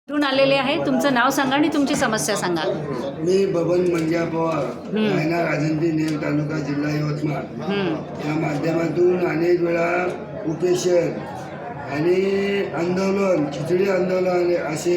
कुठून आलेले आहे? तुमचं नाव सांगा आणि तुमची समस्या सांगा. मी बबन मंग्या पवार, राहणार राजंती नेर तालुका जिल्हा यवतमाळ. या माध्यमातून अनेक वेळा उपेशन आणि आंदोलन, खिचडी आंदोलन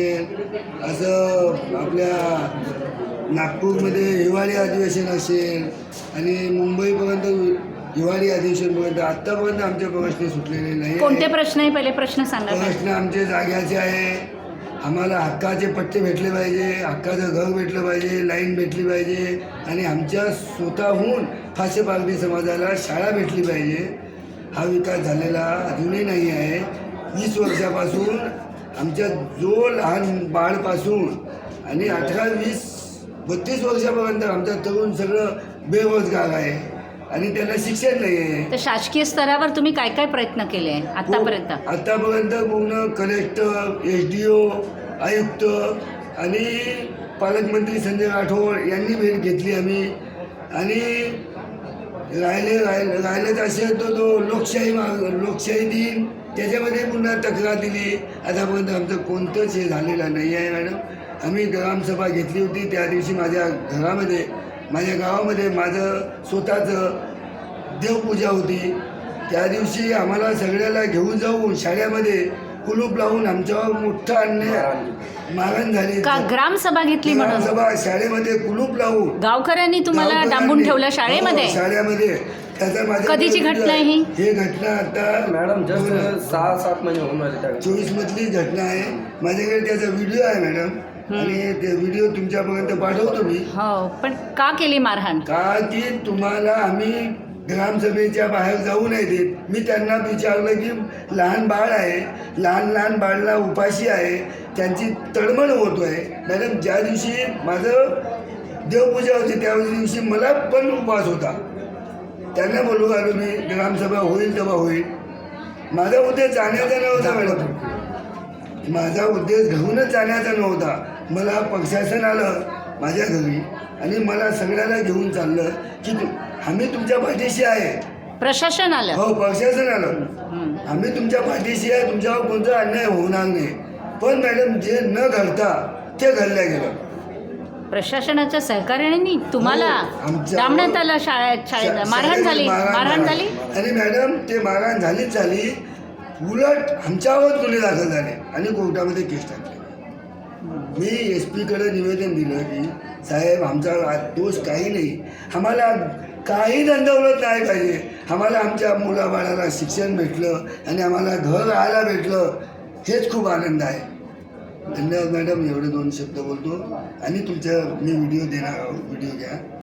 असं आपल्या नागपूरमध्ये हिवाळी अधिवेशन असेल आणि मुंबईपर्यंत हिवाळी अधिवेशनपर्यंत आत्तापर्यंत आमचे प्रश्न सुटलेले नाही. कोणते प्रश्न आहे? पहिले प्रश्न सांगा. प्रश्न आमचे जाग्याचे आहे. आम्हाला हक्काचे पट्टे भेटले पाहिजे, हक्काचं घर भेटलं पाहिजे, लाईन भेटली पाहिजे आणि आमच्या स्वतःहून फासे पारधी समाजाला शाळा भेटली पाहिजे. हा विकास झालेला अजूनही नाही आहे. 20 वर्षापासून आमच्या जो लहान बाळपासून आणि 18, 20, 32 वर्षापर्यंत आमचा तरुण सगळं बेरोजगार आहे आणि त्याला शिक्षण नाही आहे. तर शासकीय स्तरावर तुम्ही काय काय प्रयत्न केले आहे आतापर्यंत? आतापर्यंत पूर्ण कलेक्टर, SDO, आयुक्त आणि पालकमंत्री संजय राठोड यांनी भेट घेतली आम्ही. आणि राहिलेच असेल तो लोकशाही दिन त्याच्यामध्ये पुन्हा तक्रार दिली. आतापर्यंत आमचं कोणतंच हे झालेलं नाही आहे मॅडम. आम्ही ग्रामसभा घेतली होती त्या दिवशी माझ्या गावामध्ये माझं स्वतःचं देवपूजा होती. त्या दिवशी आम्हाला सगळ्याला घेऊन जाऊन शाळेमध्ये कुलूप लावून आमच्यावर मोठा अन्याय मारहाण झाली. का ग्रामसभा घेतली म्हणून? ग्रामसभा शाळेमध्ये कुलूप लावून गावकऱ्यांनी तुम्हाला डांबून ठेवलं शाळेमध्ये? शाळेमध्ये. त्याचा माझ्या कधीची घटना आहे ही? हे घटना आता मॅडम जस्ट 6-7 महिने होऊन राहिले. 24 मधली घटना आहे. माझ्याकडे त्याचा व्हिडिओ आहे मॅडम आणि ते व्हिडिओ तुमच्यापर्यंत पाठवतो मी. हो, पण का केली मारहाण? का की तुम्हाला आम्ही ग्रामसभेच्या बाहेर जाऊ नाही देत. मी त्यांना विचारलं की लहान बाळ आहे, लहान बाळाला उपाशी आहे, त्यांची तळमळ होतो आहे. मॅडम ज्या दिवशी माझं देवपूजा होती त्या दिवशी मला पण उपवास होता. त्यांना बोलू आलो मी ग्रामसभा होईल तेव्हा होईल. माझा उद्देश जाण्याचा नव्हता मॅडम, माझा उद्देश घेऊनच जाण्याचा नव्हता. मला प्रशासन आलं माझ्या घरी आणि मला सगळ्याला घेऊन चाललं की आम्ही तुमच्या पाठीशी आहे. प्रशासन आलं? हो, प्रशासन आलं. आम्ही तुमच्या पाठीशी आहे, तुमच्यावर कोणता अन्याय होणार नाही. पण मॅडम जे न घडता ते घडलं गेलं. प्रशासनाच्या सहकार्याने तुम्हाला आमच्या- डांबण्यात आलं शाळेत मारहाण झाली? आणि मॅडम ते मारहाण झाली. उलट आमच्यावर गुन्हे दाखल झाले आणि कोर्टामध्ये केस टाकली. मी SP कडे निवेदन दिलं की साहेब आमचा दोष काही नाही, आम्हाला काही दंडवलत नाही पाहिजे. आम्हाला आमच्या मुलाबाळाला शिक्षण भेटलं आणि आम्हाला घर राहायला भेटलं, हेच खूप आनंद आहे. धन्यवाद मॅडम. एवढे 2 शब्द बोलतो आणि तुमचा मी व्हिडिओ देणार आहोत. व्हिडिओ घ्या.